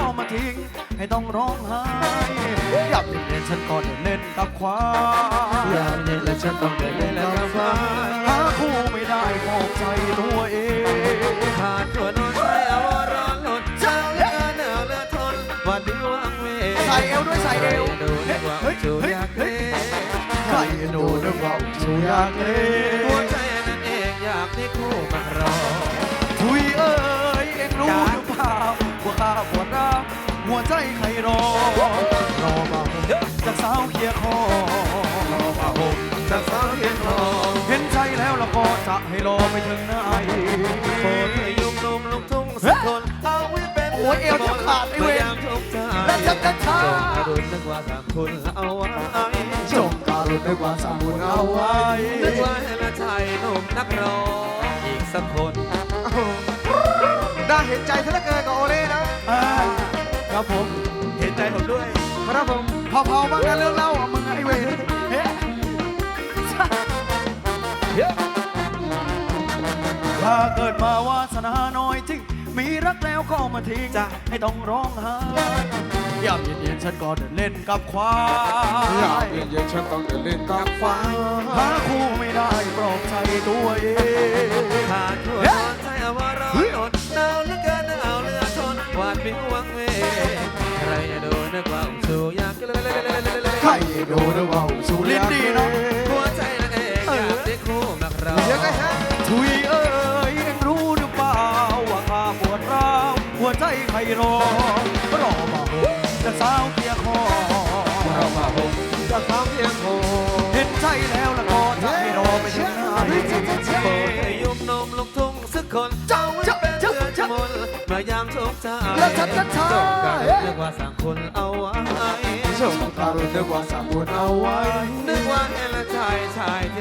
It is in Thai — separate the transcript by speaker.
Speaker 1: มาทิ้งให้ต้องร้องไห้อยากเล่นฉันก็เดินเล่นกับควายอยากเล่นและฉันต้องเดินเล่นกับควายหาคู่ไม่ได้มองใจตัวเอง
Speaker 2: ขาดตัวนอนใส่เอาร้อนหล่นเช้าเลือหนาวเลือทนวันนี้ว่างเว
Speaker 1: ใส่เอวด้วยใส่เอว
Speaker 2: ดูนึกว่าจูอยากเล่
Speaker 1: ใครดูนึกว่าจูอยากเล่
Speaker 2: หัวใจนั่นเองอยากที่คู่มารอ
Speaker 1: ทุยเอ้ยเอ็งรู้หรือเปล่าว่าข้าปวดร้าวหัวใจใครรอมาจากสาวเคียคอรอมาห่ม
Speaker 2: จากสาวเคียคอ
Speaker 1: เห็นใจแล้วละก็จะให้รอไปถึงไหน
Speaker 2: โปรดให้ยุ่มนุ่มลุกทุ่งสักคนเอาไว้เป็น
Speaker 1: โอ้ยเอวจะขาดไอ้เวรและจะกระชา
Speaker 2: จงกระดุนนึกว่าสามคุณเอาไว้
Speaker 1: จงการุณนึกว่าสามคุณเอาไว้
Speaker 2: นึกว่าให้ละชายหนุ่มนักร้องอีกสักคน
Speaker 1: น่าเห็นใจซะเหลือเกินกับโอเล่นะครับผม
Speaker 2: เห็นใจผมด้วย
Speaker 1: ครับผมเผาๆบ้างนะเรื่องเล่าอ่ะมึงไอ้เวรถ้าเกิดมาวาสนาน้อยจริงมีรักแล้วก็มาทิ้งจะให้ต้องร้องไห้ยามเย็นๆฉันก็เดินเล่นกับควาย
Speaker 3: ยามเย็นๆฉันต้องเดินเล่นกับควาย
Speaker 1: หาคู่ไม่ได้ปลอบใจตัวเอง
Speaker 2: ขาดตัวนอนใจเอาว่าร้อนหดหนาวเหลือเกินหนาวเหลือทนหวาดวิววังเวใครดูนึกว่าสู้อยาก
Speaker 1: ใครดูนึกว่าสู้ลิ้นดีเนาะ
Speaker 2: หัวใจนั่นเองอยากได้คู่มาครอง
Speaker 1: ทุยเอ้ยเอ็งรู้หรือเปล่าว่าข้าปวดร้าวหัวใจใครรอมาจะสาวเคียคอ
Speaker 2: รอมาห่มจะสาวเคียคอ
Speaker 1: เห็นใจแล้วละก็จะให้รอไปถึงไหน
Speaker 2: โปรดให้ยุ่มนมลุกทุ่งสักคนเจ้าไว้เป็นเพื่อนชมนเมื่อยามทุกข์ใจ
Speaker 1: แล้วฉันจะช้า
Speaker 2: จงการเรียกว่าสั่งคนเอาไว้
Speaker 1: จงการเรียกว่าสั่งคนเอาไว้
Speaker 2: นึกว่าเห็นละชาย